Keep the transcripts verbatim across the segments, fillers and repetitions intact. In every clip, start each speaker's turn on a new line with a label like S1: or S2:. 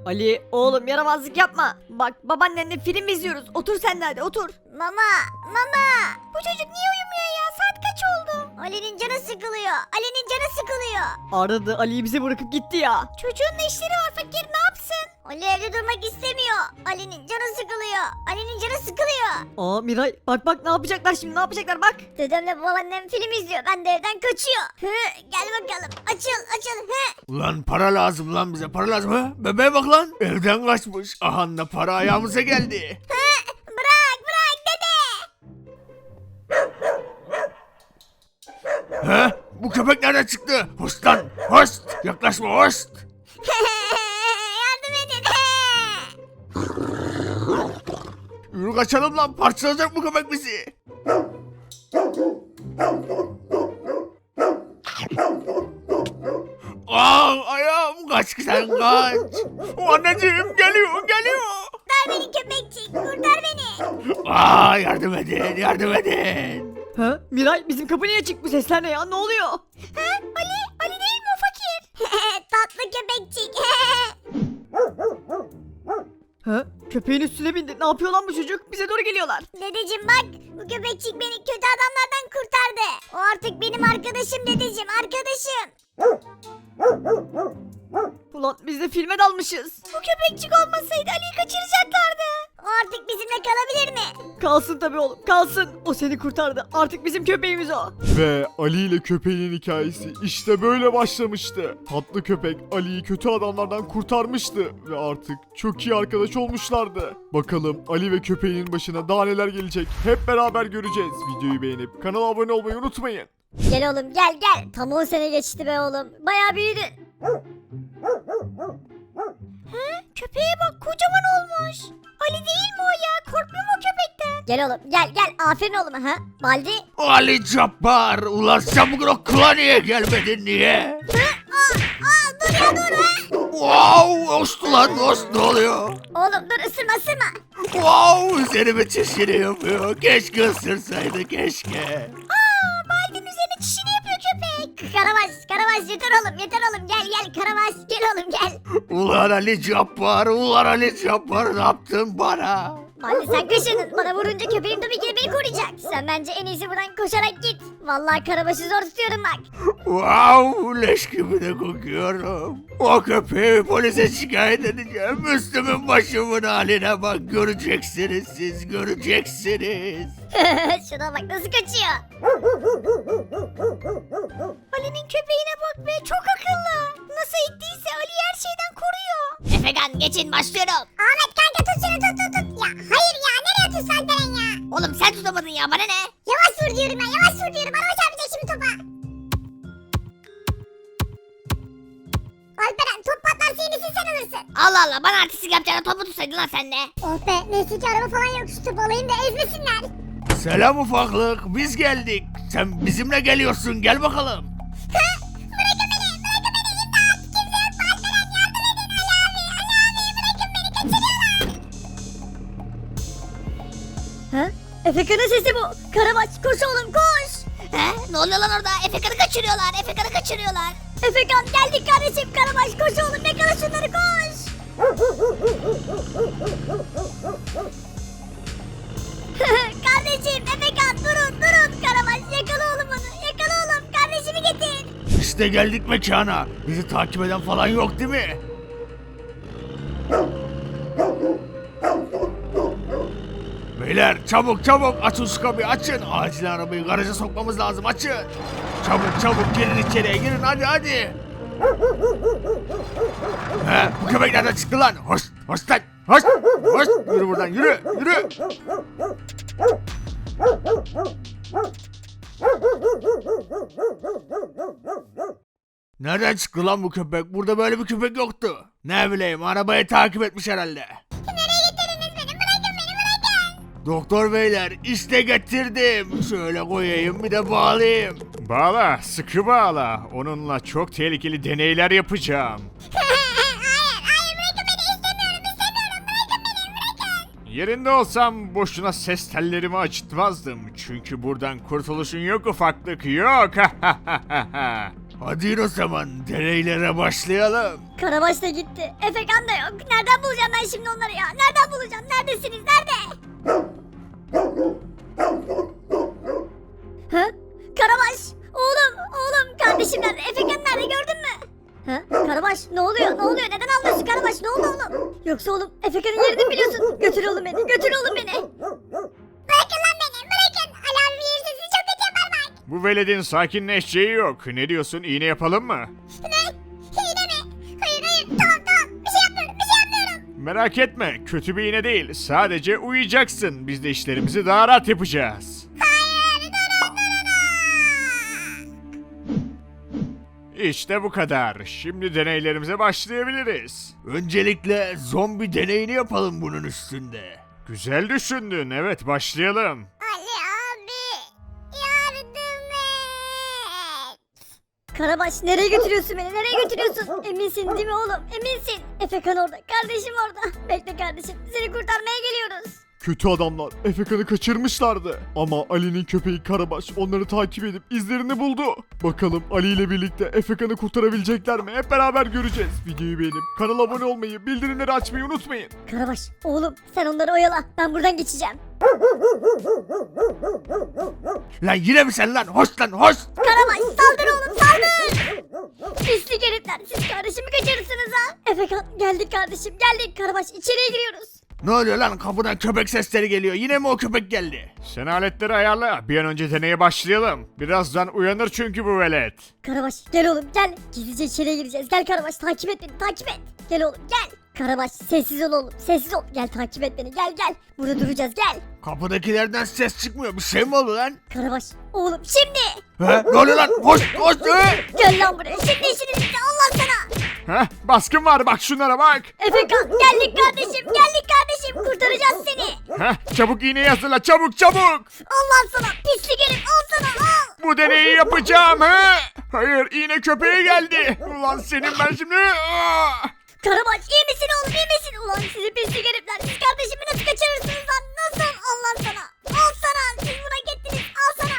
S1: Ali oğlum yaramazlık yapma. Bak babaannenle film izliyoruz. Otur sen de hadi otur.
S2: Mama, mama. Bu çocuk niye uyumuyor ya? Saat kaç oldu? Ali'nin canı sıkılıyor. Ali'nin canı sıkılıyor.
S1: Aradı Ali'yi bize bırakıp gitti ya.
S2: Çocuğun da işleri var fakir, ne yapsın? Ali evde durmak istemiyor. Ali'nin canı sıkılıyor. Ali'nin canı sıkılıyor.
S1: Aa Miray bak bak ne yapacaklar şimdi ne yapacaklar bak.
S2: Dedemle babaannem film izliyor. Ben de evden kaçıyor. Hı, gel bakalım. Açıl, açıl. Hı.
S3: Ulan para lazım lan bize para lazım ha. Bebeğe bak lan. Evden kaçmış. Aha da para ayağımıza geldi.
S2: Hı, bırak, bırak dede.
S3: He? Bu köpek nereden çıktı? Hoş lan. Hoş. Yaklaşma hoş.
S2: Yardım edin.
S3: Yürü kaçalım lan. Parçalayacak bu köpek bizi. Aa ayağım kaç sen kaç. Anneciğim geliyor geliyor.
S2: Kurtar beni köpekçik, kurtar beni.
S3: Aa yardım edin yardım edin.
S1: Ha Miray bizim kapı niye açık bu sesler ne ya ne oluyor?
S2: Ha, Ali, Ali değil mi o fakir? Tatlı köpekçik.
S1: Ha köpeğin üstüne bindi ne yapıyor lan bu çocuk bize doğru geliyorlar.
S2: Dedeciğim bak, bu köpekçik beni kötü adamlardan kurtardı. O artık benim arkadaşım dedeciğim, arkadaşım.
S1: Ulan biz de filme dalmışız.
S2: Bu köpekçik olmasaydı Ali'yi kaçıracaklardı. O artık bizimle kalabilir mi?
S1: Kalsın tabii oğlum kalsın. O seni kurtardı artık bizim köpeğimiz o.
S4: Ve Ali ile köpeğin hikayesi işte böyle başlamıştı. Tatlı köpek Ali'yi kötü adamlardan kurtarmıştı ve artık çok iyi arkadaş olmuşlardı. Bakalım Ali ve köpeğinin başına daha neler gelecek hep beraber göreceğiz. Videoyu beğenip kanala abone olmayı unutmayın.
S2: Gel oğlum gel gel. Tam on sene geçti be oğlum. Bayağı büyüdün. He? Köpeğe bak kocaman olmuş. Ali değil mi o ya? Korkmuyor mu o köpekten? Gel oğlum gel gel. Aferin oğlum ha. Baldi.
S3: Ali Cabbar. Ulan sen bugün okula niye gelmedin niye?
S2: Aa, aa dur ya dur ha.
S3: Wow hoştu lan hoş ne oluyor?
S2: Oğlum dur ısırma ısırma.
S3: Wow üzerime çişini yapıyor. Keşke ısırsaydı keşke.
S2: Aa Baldi'nin üzerine çişini yapıyor köpek. Karabaş Karabaş yeter oğlum yeter oğlum. Gel gel Karabaş gel oğlum gel.
S3: Ulan Ali Cabbar, ulan Ali Cabbar ne yaptın bana?
S2: Baldi sen kaşındın. Bana vurunca köpeğim tabii ki de beni koruyacak. Sen bence en iyisi buradan koşarak git. Vallahi Karabaş'ı zor tutuyorum bak.
S3: Wow leş gibi de kokuyorum. O köpeği polise şikayet edeceğim. Üstümün başımın haline bak göreceksiniz siz göreceksiniz.
S2: Şuna bak nasıl kaçıyor. Ali'nin köpeğine bak be çok akıllı. Nasıl ettiyse Ali her şeyden koruyor. Efekan geçin başlıyorum. Ahmet kanka tut şunu tut tut tut. Ya hayır ya nereye tutsan sen ya. Oğlum sen tutamadın ya bana ne? Yavaş vur diyorum ya yavaş vur diyorum. Araba çarpacak şimdi topa. Alperen top patlarsa yenisini sen alırsın. Allah Allah bana artistik yapacağına topu tutsaydın lan sen de. Oh be neyse ki araba falan yok şu topu alayım da ezmesinler.
S3: Selam ufaklık biz geldik. Sen bizimle geliyorsun gel bakalım.
S2: Bırakın beni bırakın beni imdat. Kimse yok mu Alperen yardım edin Ali abi Ali abi bırakın beni kaçırıyorlar. Ha? Efekan'ın sesi bu. Karabaş koş oğlum koş. He? Ne oluyor lan orada? Efekan'ı kaçırıyorlar. Efekan'ı kaçırıyorlar. Efekan geldik kardeşim. Karabaş koş oğlum. Yakala şunları koş. Kardeşim Efekan durun durun. Karabaş yakala oğlum onu. Yakala oğlum. Kardeşimi getir.
S3: İşte geldik mekana. Bizi takip eden falan yok değil mi? Beyler çabuk çabuk açın şu kapıyı açın. Acil arabayı garaja sokmamız lazım açın. Çabuk çabuk girin içeriye girin hadi hadi. He, bu köpek nereden çıktı lan? Hoş hoş lan hoş hoş yürü buradan yürü yürü. Nereden çıktı lan bu köpek? Burada böyle bir köpek yoktu. Ne bileyim arabayı takip etmiş herhalde.
S2: Nereye getirdiniz beni? Bırakın beni bırakın.
S3: Doktor beyler işte getirdim. Şöyle koyayım bir de bağlayayım.
S4: Bağla, sıkı bağla. Onunla çok tehlikeli deneyler yapacağım.
S2: hayır hayır bırakın beni istemiyorum istemiyorum bırakın beni bırakın.
S4: Yerinde olsam boşuna ses tellerimi acıtmazdım. Çünkü buradan kurtuluşun yok ufaklık yok.
S3: Hadi in o zaman deneylere başlayalım.
S1: Karabaş da gitti. Efekan da yok. Nereden bulacağım ben şimdi onları ya? Nereden bulacağım? Neredesiniz? Nerede? Ha? Karabaş! Oğlum! Oğlum! Kardeşim nerede? Efekan nerede? Gördün mü? Ha? Karabaş ne oluyor? Ne oluyor? Neden ağlıyorsun Karabaş? Ne oldu oğlum? Yoksa oğlum Efekan'ın yerini biliyorsun. Götür oğlum beni. Götür oğlum beni.
S2: Bırakın lan beni bırakın. Ali abi bir sesini çok kötü yapar bak.
S5: Bu veledin sakinleşeceği yok. Ne diyorsun? İğne yapalım mı?
S2: Ne? Hile mi? Hayır hayır tamam tamam. Bir şey yapmıyorum bir şey yapmıyorum.
S5: Merak etme. Kötü bir iğne değil. Sadece uyuyacaksın. Biz de işlerimizi daha rahat yapacağız.
S2: Hayır durun durun.
S5: İşte bu kadar. Şimdi deneylerimize başlayabiliriz.
S3: Öncelikle zombi deneyini yapalım bunun üstünde.
S5: Güzel düşündün. Evet, başlayalım.
S2: Ali abi yardım et.
S1: Karabaş nereye götürüyorsun beni? Nereye götürüyorsun? Eminsin değil mi oğlum? Eminsin. Efekan orada. Kardeşim orada. Bekle kardeşim. Seni kurtarmaya geliyoruz.
S4: Kötü adamlar Efekan'ı kaçırmışlardı. Ama Ali'nin köpeği Karabaş onları takip edip izlerini buldu. Bakalım Ali ile birlikte Efekan'ı kurtarabilecekler mi? Hep beraber göreceğiz. Videoyu beğenip kanala abone olmayı, bildirimleri açmayı unutmayın.
S1: Karabaş oğlum sen onları oyala. Ben buradan geçeceğim.
S3: Lan yine mi sen lan? Hoş lan hoş.
S1: Karabaş saldır oğlum saldır. Pislik herifler siz kardeşimi kaçırırsınız ha. Efekan geldik kardeşim geldik. Karabaş içeriye giriyoruz.
S3: Ne oluyor lan? Kapıdan köpek sesleri geliyor. Yine mi o köpek geldi?
S5: Sen aletleri ayarla. Bir an önce deneye başlayalım. Birazdan uyanır çünkü bu velet.
S1: Karabaş gel oğlum gel. Gizlice içeriye gireceğiz. Gel Karabaş takip et beni takip et. Gel oğlum gel. Karabaş sessiz ol oğlum sessiz ol. Gel takip et beni gel gel. Burada duracağız gel.
S3: Kapıdakilerden ses çıkmıyor. Bir şey mi oldu lan?
S1: Karabaş oğlum şimdi.
S3: He? Ne oluyor lan? Hoş hoş. He?
S1: Gel lan buraya şimdi işiniz bitti Allah sana.
S5: Heh, baskın var bak şunlara bak.
S1: Efekan geldik kardeşim geldik kardeşim kurtaracağız seni.
S5: Heh, çabuk iğneyi hazırla çabuk çabuk.
S1: Allah sana pislik herif al sana al.
S5: Bu deneyi yapacağım he. Hayır iğne köpeğe geldi. Ulan senin ben şimdi. Aa!
S1: Karabaş iyi misin oğlum iyi misin? Ulan sizi pislik herifler siz kardeşimi nasıl kaçırırsınız lan nasıl Allah sana. Al sana siz buna gittiniz al sana.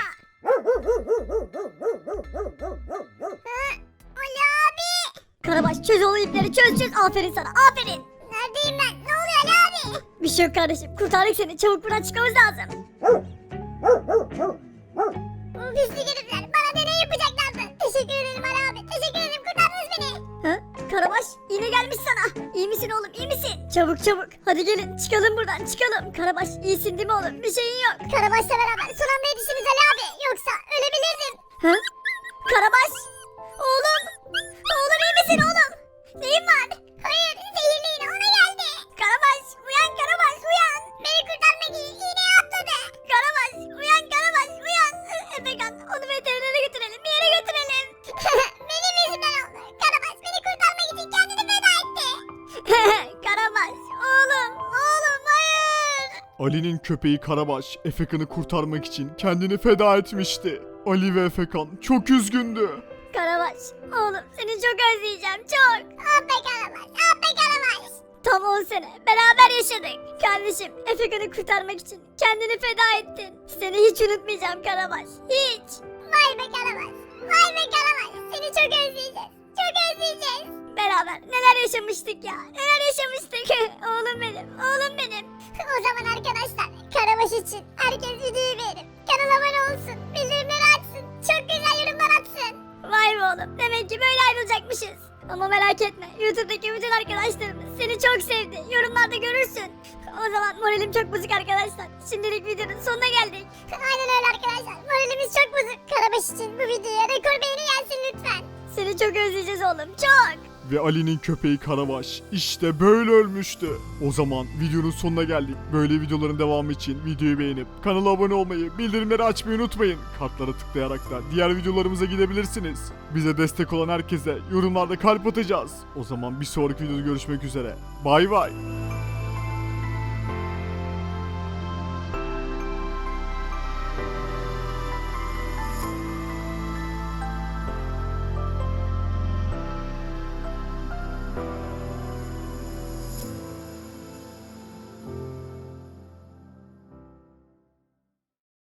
S2: Ha? Ali abi.
S1: Karabaş çöz oğlum ipleri çöz çöz aferin sana aferin.
S2: Neredeyim ben? Ne oluyor Ali abi?
S1: Bir şey yok kardeşim kurtardık seni çabuk buradan çıkmamız lazım.
S2: Bu pislik herifler bana deney yapacaklardı. Teşekkür ederim Ali abi. Teşekkür ederim kurtardınız beni.
S1: Ha? Karabaş iğne gelmiş sana. İyi misin oğlum iyi misin? Çabuk çabuk hadi gelin çıkalım buradan çıkalım. Karabaş iyisin değil mi oğlum bir şeyin yok.
S2: Karabaş'la beraber son anda yetiştiniz Ali abi. Yoksa ölebilirdim.
S1: Ha? Karabaş oğlum. Oğlum iyi misin oğlum? Neyin var?
S2: Hayır zehirli iğne ona geldi.
S1: Karabaş uyan Karabaş uyan.
S2: Beni kurtarmak için iğneye atladı.
S1: Karabaş uyan Karabaş uyan. Efekan onu veterinere götürelim bir yere götürelim.
S2: Benim yüzümden oldu. Karabaş beni kurtarmak için kendini feda etti.
S1: Karabaş oğlum oğlum hayır.
S4: Ali'nin köpeği Karabaş Efekan'ı kurtarmak için kendini feda etmişti. Ali ve Efekan çok üzgündü.
S1: Karabaş oğlum seni çok özleyeceğim çok.
S2: Ah be Karabaş. Ah be Karabaş.
S1: Tam on sene beraber yaşadık. Kardeşim Efekan'ı kurtarmak için kendini feda ettin. Seni hiç unutmayacağım Karabaş hiç.
S2: Vay be Karabaş. Vay be Karabaş. Seni çok özleyeceğiz. Çok özleyeceğiz.
S1: Beraber neler yaşamıştık ya neler yaşamıştık. Oğlum benim oğlum benim.
S2: O zaman arkadaşlar Karabaş için herkes videoyu beğenip kanala abone olsun. Bildirimleri açsın. Çok güzel yorumlar atsın.
S1: Vay be oğlum demek ki böyle ayrılacakmışız. Ama merak etme YouTube'daki bütün arkadaşlarımız seni çok sevdi. Yorumlarda görürsün. O zaman moralim çok bozuk arkadaşlar. Şimdilik videonun sonuna geldik.
S2: Aynen öyle arkadaşlar. Moralimiz çok bozuk. Karabaş için bu videoya rekor beğeni gelsin lütfen.
S1: Seni çok özleyeceğiz oğlum çok.
S4: Ve Ali'nin köpeği Karabaş işte böyle ölmüştü. O zaman videonun sonuna geldik. Böyle videoların devamı için videoyu beğenip kanala abone olmayı, bildirimleri açmayı unutmayın. Kartlara tıklayarak da diğer videolarımıza gidebilirsiniz. Bize destek olan herkese yorumlarda kalp atacağız. O zaman bir sonraki videoda görüşmek üzere. Bay bay.